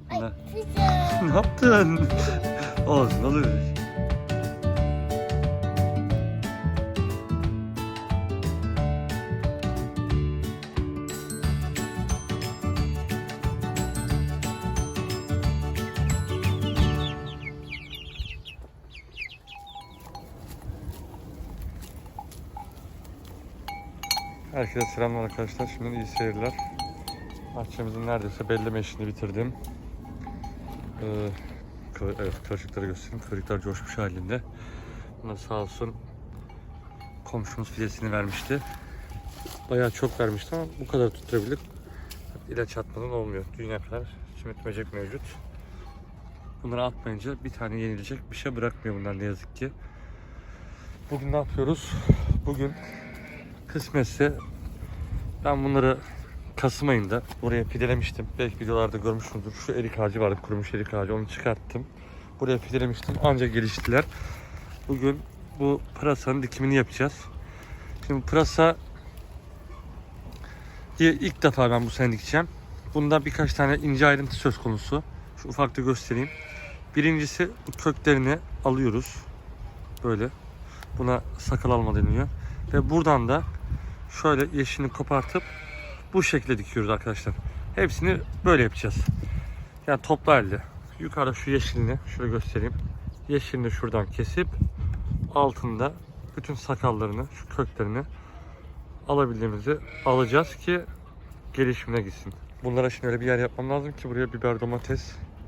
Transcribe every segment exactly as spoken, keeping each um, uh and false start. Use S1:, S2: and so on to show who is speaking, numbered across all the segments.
S1: Ay,
S2: Ne?
S1: kızım.
S2: Ne yaptın? Olsun, olur. Herkese selamlar arkadaşlar. Şimdi iyi seyirler. Bahçemizin neredeyse belleme işini bitirdim. Ee, kı- evet, kıvırcıkları göstereyim. Kıvırcıklar coşmuş halinde. Buna sağ olsun komşumuz fidesini vermişti. Bayağı çok vermişti ama bu kadar tutturabildik. İlaç atmadan olmuyor. Dünya kadar çimit böcek mevcut. Bunları atmayınca bir tane yenilecek bir şey bırakmıyor bunlar ne yazık ki. Bugün ne yapıyoruz? Bugün kısmetse ben bunları Kasım ayında buraya fidelemiştim. Belki videolarda görmüşsünüzdür. Şu erik ağacı vardı, kurumuş erik ağacı. Onu çıkarttım. Buraya fidelemiştim. Ancak geliştiler. Bugün bu pırasanın dikimini yapacağız. Şimdi pırasa ilk defa ben bu sene dikeceğim. Bunda birkaç tane ince ayrıntı söz konusu. Şu ufakta göstereyim. Birincisi bu köklerini alıyoruz. Böyle. Buna sakal alma deniyor. Ve buradan da şöyle yeşilini kopartıp bu şekilde dikiyoruz arkadaşlar. Hepsini böyle yapacağız. Yani toplu halde. Yukarıda şu yeşilini şöyle göstereyim. Yeşilini şuradan kesip altında bütün sakallarını, şu köklerini alabildiğimizi alacağız ki gelişimine gitsin. Bunlara şimdi öyle bir yer yapmam lazım ki buraya biber, domates,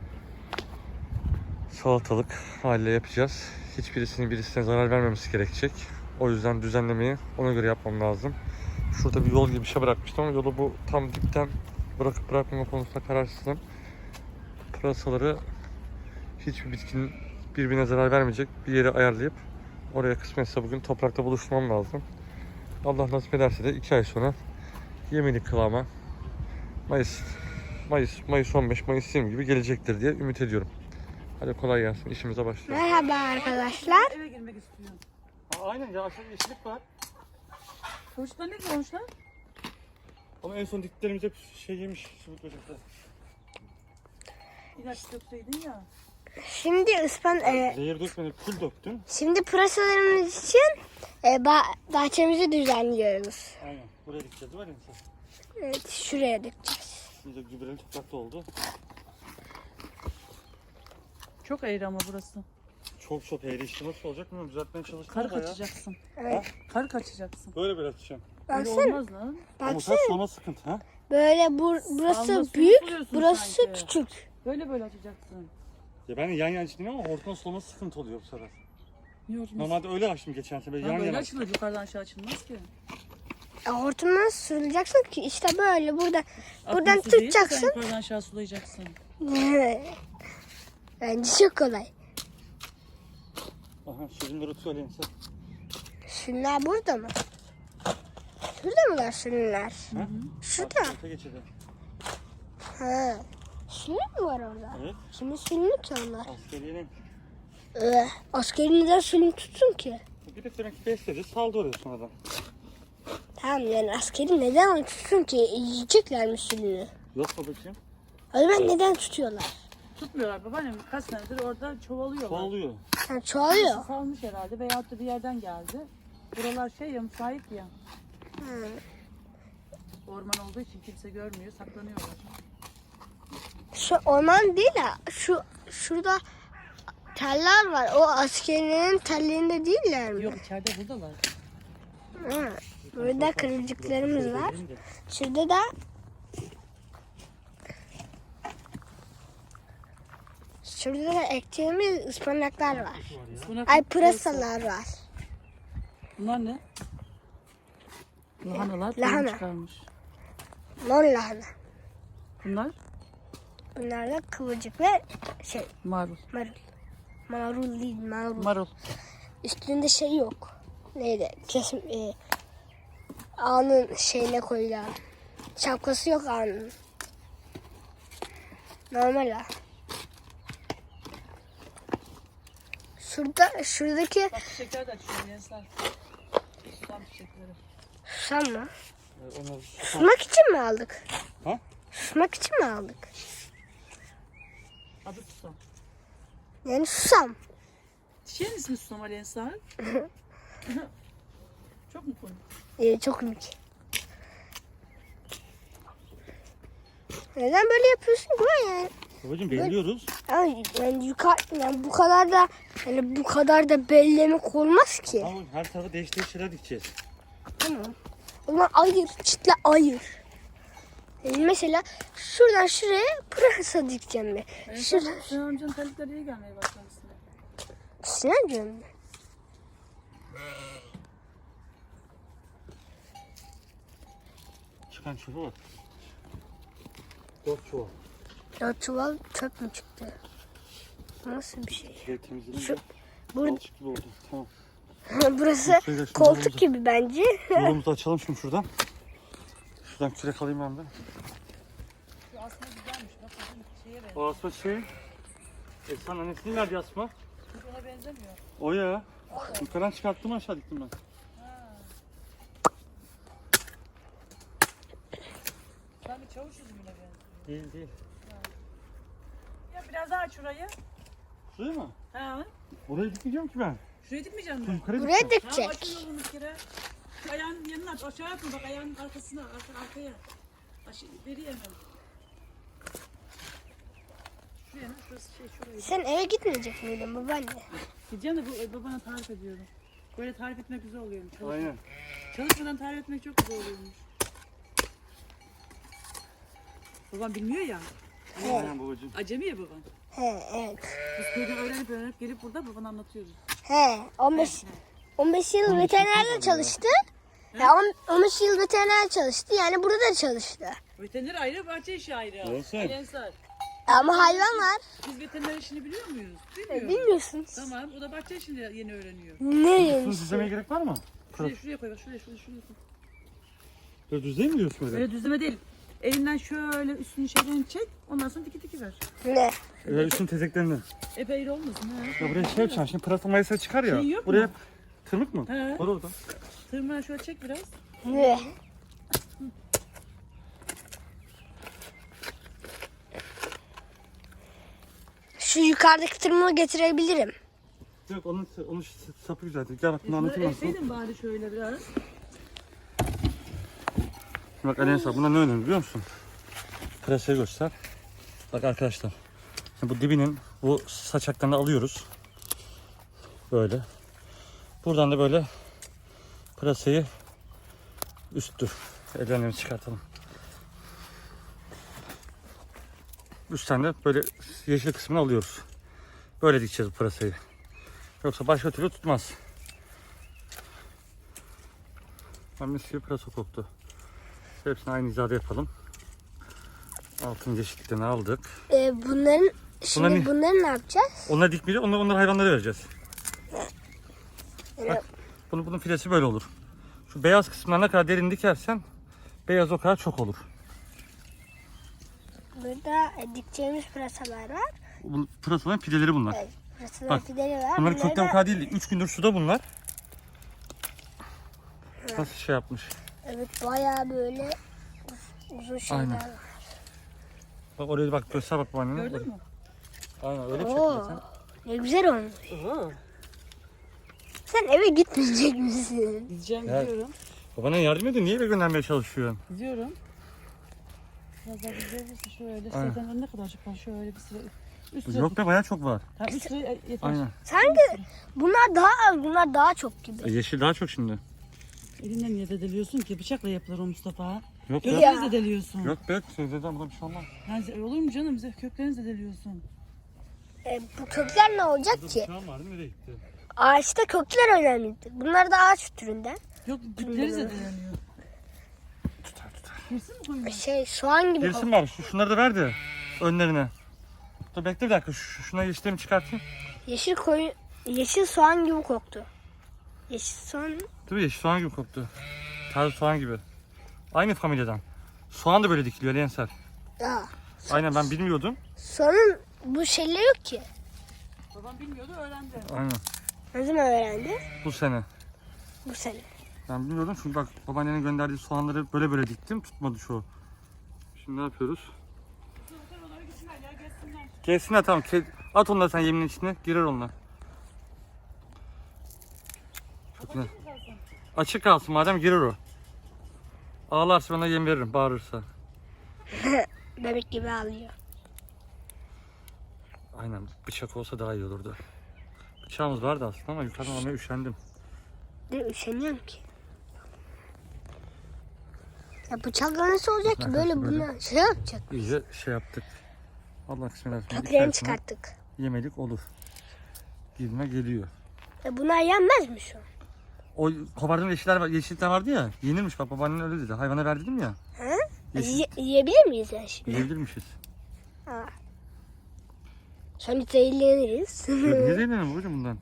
S2: salatalık haline yapacağız. Hiçbirisinin birisine zarar vermemesi gerekecek. O yüzden düzenlemeyi ona göre yapmam lazım. Şurada bir yol gibi bir şey bırakmıştım ama yolu bu tam dipten bırakıp bırakmama konusunda kararsızım. Pırasaları hiçbir bitkinin birbirine zarar vermeyecek bir yere ayarlayıp oraya kısmetse bugün toprakta buluşturmam lazım. Allah nasip ederse de iki ay sonra yemelik kıvama Mayıs Mayıs Mayıs on beş Mayıs yirmi gibi gelecektir diye ümit ediyorum. Hadi kolay gelsin, işimize başlayalım.
S1: Merhaba arkadaşlar.
S3: Eve girmek istiyorum.
S2: Aa, aynen ya, aşağıda yeşillik var.
S3: Kılıçlar ne olmuşlar?
S2: Ama en son diktiklerimiz hep şey yemiş, sümük böcekler.
S3: İlaç dökseydin ya.
S1: Şimdi ıspan e,
S2: Zehir dökmedi, kül döktün.
S1: şimdi pırasalarımız için e, bah- bahçemizi düzenliyoruz.
S2: Aynen, buraya dikeceğiz var ya mesela.
S1: Evet, şuraya dikeceğiz.
S2: İyice gübreli toprakta oldu.
S3: Çok eğri ama burası.
S2: Çok çok eğri, işte nasıl olacak bilmiyorum, düzeltmeye çalıştım
S3: Kar
S2: bayağı.
S3: kaçacaksın.
S1: Evet.
S3: Kar kaçacaksın.
S2: Böyle böyle atacağım.
S3: Öyle
S1: Baksana,
S3: olmaz lan.
S2: Ama
S1: baksana.
S2: sen sonra sıkıntı ha.
S1: Böyle bu, burası
S3: Sağında su
S1: büyük,
S3: buluyorsun
S1: burası
S3: sanki.
S1: küçük.
S3: Böyle böyle açacaksın.
S2: Ya ben de yan yana çizdim ama hortumun solması sıkıntı oluyor bu sefer.
S3: Niye ortamı?
S2: Normalde öyle açtım geçen sefer,
S3: Ha,
S2: yan
S3: böyle
S2: yana.
S3: açılır, yukarıdan aşağı açılmaz ki.
S1: E, hortumdan sürüleceksin ki işte böyle burada
S3: Aklı
S1: buradan
S3: su değil mi? Sen
S1: tutacaksın.
S3: yukarıdan aşağı sulayacaksın.
S1: Bence çok kolay.
S2: Aha, sürümleri söyleyin sen.
S1: Şunlar burada mı? Şurada mılar şunlar?
S2: Ha?
S1: Şurada.
S2: Orta geçidi.
S1: Ha. Şunlar mı var orada?
S2: Evet.
S1: Şimdi sülünü ki onlar.
S2: Askeriyenin.
S1: Ee, askeri neden sülünü tutsun ki?
S2: Bir de demek ki besledi, saldı oraya sonradan.
S1: Tamam yani askeri neden onu tutsun ki? Yiyecekler mi sülünü?
S2: Yok babacığım.
S1: O zaman neden tutuyorlar?
S3: Tutmuyorlar babaannem. Kaç senedir orada çoğalıyorlar.
S2: Çoğalıyor.
S1: Yani çoğalıyor.
S3: Salmış herhalde veyahut da bir yerden geldi. Buralar şey ya, müsait ya.
S1: Hı.
S3: Orman olduğu için kimse görmüyor, saklanıyorlar.
S1: Şu orman değil ha. Şu şurada teller var. O askerlerin tellerinde değiller mi?
S3: Yok, içeride buradalar.
S1: Hı. Burada kırıcıklarımız var. Şurada da şurada da ektiğimiz ıspanaklar var.
S3: Ispanak-
S1: Ay pırasalar var.
S3: Bunlar ne? Lahanalar
S1: Lahana.
S3: tohum çıkarmış.
S1: Mor lahana.
S3: Bunlar
S1: Bunlar da kıvırcık ve şey
S3: marul.
S1: marul. Marul değil marul.
S3: Marul.
S1: Üstünde şey yok. Neydi? Kesim e, ağanın şeyine koyulan. Şapkası yok ağanın. Normal ha. Şurada, şuradaki
S3: Bak çiçekler de açıyor gençler. Susam çiçekleri.
S1: susam mı?
S2: Onlar
S1: Susmak için mi aldık?
S2: Ha?
S1: Susmak için mi aldık?
S3: Adı susam.
S1: Yani susam.
S3: Çiçeğin ismi susam Ali Ensar. Çok mu komik?
S1: Ee, çok komik. Neden böyle yapıyorsun ki ben yani?
S2: Babacığım belliyoruz.
S1: Yani, yani yukarı yani bu kadar da yani bu kadar da bellemek olmaz ki.
S2: Ama her tarafa değiş değiş şeyler dikeceğiz.
S1: Tamam. O zaman ayır, çitle ayır. Yani mesela şuradan şuraya pırasa dikeceğim ben.
S3: Ensar,
S1: Şurada.
S3: Sinan amcanın terlikleri iyi gelmeye başlamışsın.
S1: Sinan diyorum ben.
S2: Çıkan çöpe bak. Dört çuval.
S1: Ya çuval çöp mü çıktı? Nasıl bir şey?
S2: Şöyle temizledim.
S1: Şu,
S2: de
S1: bur
S2: balçık gibi oldu. Tamam.
S1: burası
S2: Şöyle şimdi
S1: koltuk
S2: yolumuzu-
S1: gibi bence.
S2: Yolumuzu açalım şimdi şuradan. Şuradan kürek alayım ben de.
S3: Şu aslında güzelmiş. Bak bizim şeye benziyor.
S2: O asma şey. Esra'nın annesinin nerede asma?
S3: Hiç ona benzemiyor.
S2: O ya. Yukarıdan çıkarttım aşağı diktim ben.
S3: Sen bir çavuş yüzüne benziyor.
S2: Değil değil.
S3: Ya biraz daha aç şurayı.
S2: Şuraya mı?
S3: Ha.
S2: Oraya dikmeyeceğim ki ben.
S3: Şuraya dikmeyeceksin
S2: Şu
S3: mi?
S2: yukarıya
S1: Buraya
S2: dikeceğim.
S3: Tamam aç
S1: dikecek.
S3: yolunu bir kere. Ayağının yanına aç. Aşağı yapma bak ayağının arkasına. Arka, arkaya. Aşağı, beri hemen. Şuraya lan şurası şey şurayı.
S1: Sen eve gitmeyecek miydin babaanne?
S3: Gideceğim de bu e, babana tarif ediyorum. Böyle tarif etmek güzel oluyormuş. Çalışma-
S2: Aynen.
S3: Çalışmadan tarif etmek çok güzel oluyormuş. Babam bilmiyor ya.
S2: Aynen babacığım.
S3: Acemi ya baban.
S1: He evet.
S3: Biz köyden öğrenip öğrenip gelip burada babana anlatıyoruz.
S1: He on beş on beş yıl
S2: on beş
S1: veterinerde
S2: yıl
S1: çalıştı. Ya on- on beş yıl veterinerde çalıştı. Yani burada da çalıştı.
S3: Veteriner ayrı, bahçe işi ayrı.
S2: Olsun.
S3: Ali Ensar,
S1: Ama hayvan var.
S3: biz veteriner işini biliyor muyuz?
S1: E,
S3: Bilmiyoruz.
S1: bilmiyorsunuz.
S3: Tamam, o da bahçe işini yeni öğreniyor.
S1: Ne
S2: Bunu
S1: yemiş?
S2: düzlemeye gerek var mı?
S3: Şuraya, şuraya koy bak, şuraya, şuraya, şuraya koy.
S2: Böyle düzleyeyim mi diyorsun öyle?
S3: Böyle düzleme değil. Elinden şöyle üstünü şeyden çek, ondan sonra diki diki ver.
S1: Ne?
S2: Ee, üstün tezeklerini.
S3: Epey olmasın ha.
S2: Ya buraya şey yapacağım. Şimdi pırasa mayası çıkar ya.
S3: Şey yok
S2: buraya
S3: mu?
S2: tırmık mı?
S3: He.
S2: Var orada.
S3: Tırmığı şöyle çek biraz.
S1: Ne? Şu yukarıdaki tırmığı getirebilirim.
S2: Yok onun, onun sapı güzel. Gel bak bunu anlatayım nasıl.
S3: Ekseydin bari şöyle biraz.
S2: Şimdi bak Aleyna buna ne önemli biliyor musun? Pırasayı göster. Bak arkadaşlar. Şimdi bu dibinin bu saçaklarını alıyoruz. Böyle. Buradan da böyle pırasayı üsttür. Ellerimizi çıkartalım. Üstten de böyle yeşil kısmını alıyoruz. Böyle dikeceğiz bu pırasayı. Yoksa başka türlü tutmaz. Ben mis gibi pırasa koktu. Hepsini aynı hizada yapalım. Altın eşitliklerini aldık.
S1: Ee, bunların şimdi
S2: Bunlar ne?
S1: bunları ne yapacağız?
S2: Onları dikmeyeceğiz, onları, onları hayvanlara vereceğiz.
S1: Evet.
S2: Bak, bunu, bunun filesi böyle olur. Şu beyaz kısmına ne kadar derin dikersen beyaz o kadar çok olur.
S1: Burada e, dikeceğimiz pırasalar var.
S2: Bu pırasaların pideleri bunlar.
S1: Evet, pırasalar
S2: Bak,
S1: fideli var.
S2: Bunların
S1: Bunları
S2: kökten o
S1: da-
S2: kadar değil. üç gündür suda bunlar. Nasıl şey yapmış.
S1: Evet bayağı böyle uz- uzun şeyler
S2: Aynen.
S1: var.
S2: Bak oraya bak göster bak bu annene.
S3: Gördün mü?
S2: Aynen öyle bir
S1: Oo,
S2: şekilde sen.
S1: ne güzel olmuş.
S3: Oo.
S1: Sen eve gitmeyecek misin?
S3: Gideceğim
S2: Evet.
S3: gidiyorum.
S2: Babana yardım edin. Niye eve göndermeye çalışıyorsun?
S3: Gidiyorum. Biraz daha gidebilirsin şöyle.
S2: Aynen.
S3: Zaten ne kadarcık var şöyle bir sıra. Üst sıra.
S2: Yok be bayağı çok var.
S3: Ha, üst sıra yeter.
S2: Aynen.
S1: Sanki bunlar daha az, bunlar daha çok gibi.
S2: E, yeşil daha çok şimdi.
S3: Elinden niye dedeliyorsun ki? Bıçakla yapılır o Mustafa.
S2: Yok be.
S1: Ya.
S3: Köklerini zedeliyorsun.
S2: Yok be. Sözlerden burada bir şey olmaz.
S3: Yani olur mu canım? Bize köklerini zedeliyorsun.
S1: E, bu kökler ne olacak ki?
S2: Şu an vardı nereye gitti?
S1: Ağaçta kökler önemlidir. Bunlar da ağaç türünden.
S3: Yok kökleri zedeleniyor.
S2: Tutar tutar.
S3: Girsin mi koyun?
S1: Şey soğan gibi.
S2: Gerisin var. Şu, şunları da ver de önlerine. Dur bekle bir dakika. Şu, şuna yeşillerimi çıkartayım.
S1: Yeşil koyu, yeşil soğan gibi koktu. Yeşil soğan.
S2: Değil mi? Yeşil soğan gibi koktu. Taze soğan gibi. Aynı familyadan. Soğan da böyle dikiliyor Lensel.
S1: Aa,
S2: Aynen ben bilmiyordum.
S1: soğanın bu şeyle yok ki.
S3: Babam bilmiyordu öğrendi.
S2: Aynen.
S1: Ne zaman öğrendi?
S2: Bu sene.
S1: Bu sene.
S2: Ben bilmiyordum çünkü bak babaannenin gönderdiği soğanları böyle böyle diktim. Tutmadı çoğu. Şimdi ne yapıyoruz?
S3: Oralara gitsinler ya gelsinler.
S2: Gelsinler tamam. Ke- At onları sen yemin içine. Girer onlar. Çok güzel. Açık kalsın madem girer o. Ağlarsa bana yem veririm bağırırsa.
S1: Bebek gibi ağlıyor.
S2: Aynen bıçak olsa daha iyi olurdu. Bıçağımız vardı aslında ama yukarıdan almaya üşendim.
S1: De üşeniyorum ki. Ya bıçakla nasıl olacak ki? Böyle
S2: Böyle.
S1: bunu şey yapacak.
S2: İyice şey yaptık. Allah kısmet etsin.
S1: Köklerini çıkarttık.
S2: Yemedik olur. Gidime geliyor.
S1: Ya bunlar yenmez mi şu an?
S2: O kopardığım yeşiller, var- yeşillikler vardı ya. Yenilmiş bak babaannen öyle dedi. Hayvana ver dedim ya.
S1: Ha?
S2: Yeşil.
S1: Ye- yiyebilir miyiz yani şimdi?
S2: Yiyebilirmişiz.
S1: Ha. Sonra zehirleniriz.
S2: Ne zeylenelim babacığım bundan?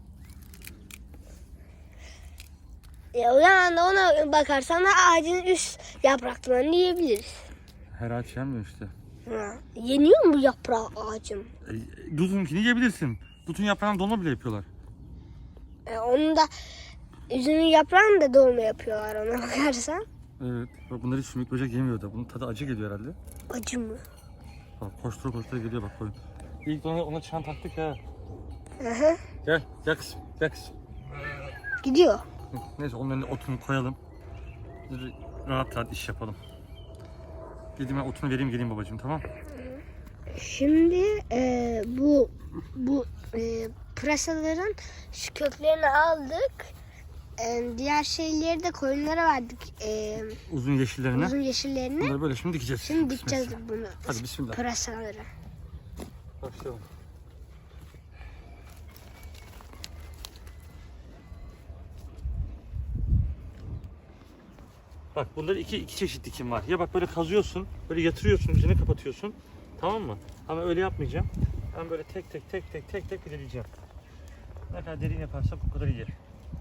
S1: Ya o zaman da ona bakarsan da ağacın üst yapraklarını yiyebiliriz.
S2: Her ağaç yenmiyor işte.
S1: Ha. Yeniyor mu bu yaprağı ağacın?
S2: E, Dutunkini yiyebilirsin. Dutun yaprağını dolma bile yapıyorlar.
S1: E, onun da üzümün yaprağını da dolma yapıyorlar ona bakarsan.
S2: Evet. Bak bunları hiç sümük böcek yemiyor da. Bunun tadı acı geliyor herhalde.
S1: Acı mı?
S2: Bak koştura koştura geliyor bak koyun. İlk ona, ona çan taktık ha.
S1: Aha.
S2: Gel, gel kızım, gel kızım.
S1: Gidiyor.
S2: Hı, Neyse onun önüne otunu koyalım. Biz rahat rahat iş yapalım. Gideyim ben otunu vereyim geleyim babacığım tamam.
S1: Şimdi e, bu bu e, pırasaların şu köklerini aldık. E, diğer şeyleri de koyunlara verdik. E,
S2: Uzun yeşillerine.
S1: uzun yeşillerini.
S2: Bunları böyle şimdi dikeceğiz.
S1: Şimdi dikeceğiz
S2: Bismillah.
S1: bunu.
S2: Hadi bismillah.
S1: Pırasaları.
S2: Başlayalım. Bak bunda iki, iki çeşit dikim var. Ya bak böyle kazıyorsun, böyle yatırıyorsun, üzerine kapatıyorsun. Tamam mı? Ama öyle yapmayacağım. Ben böyle tek tek tek tek tek tek ilerleyeceğim. Ne kadar derin yaparsak o kadar iyi.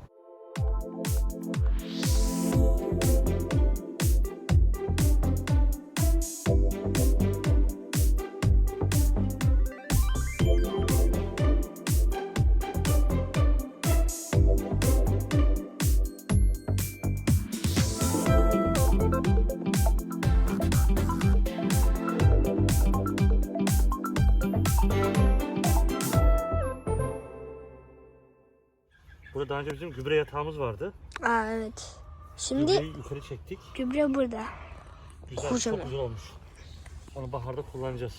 S2: Burada daha önce bizim gübre yatağımız vardı.
S1: Aa evet. Şimdi
S2: Gübreyi yukarı çektik.
S1: gübre burada.
S2: Güzel,
S1: Kocaman.
S2: çok güzel olmuş. Onu baharda kullanacağız.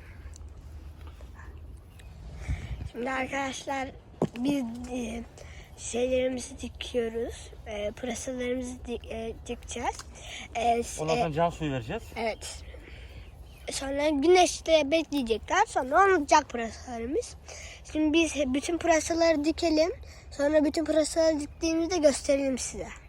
S1: Şimdi arkadaşlar biz e, şeylerimizi dikiyoruz. E, pırasalarımızı dik, e, dikeceğiz. E, s-
S2: Ondan
S1: e,
S2: sonra can suyu vereceğiz.
S1: evet. Sonra güneşte bekleyecekler. Sonra olacak pırasalarımız. Şimdi biz bütün pırasaları dikelim. Sonra bütün pırasaları diktiğimizde gösterelim size.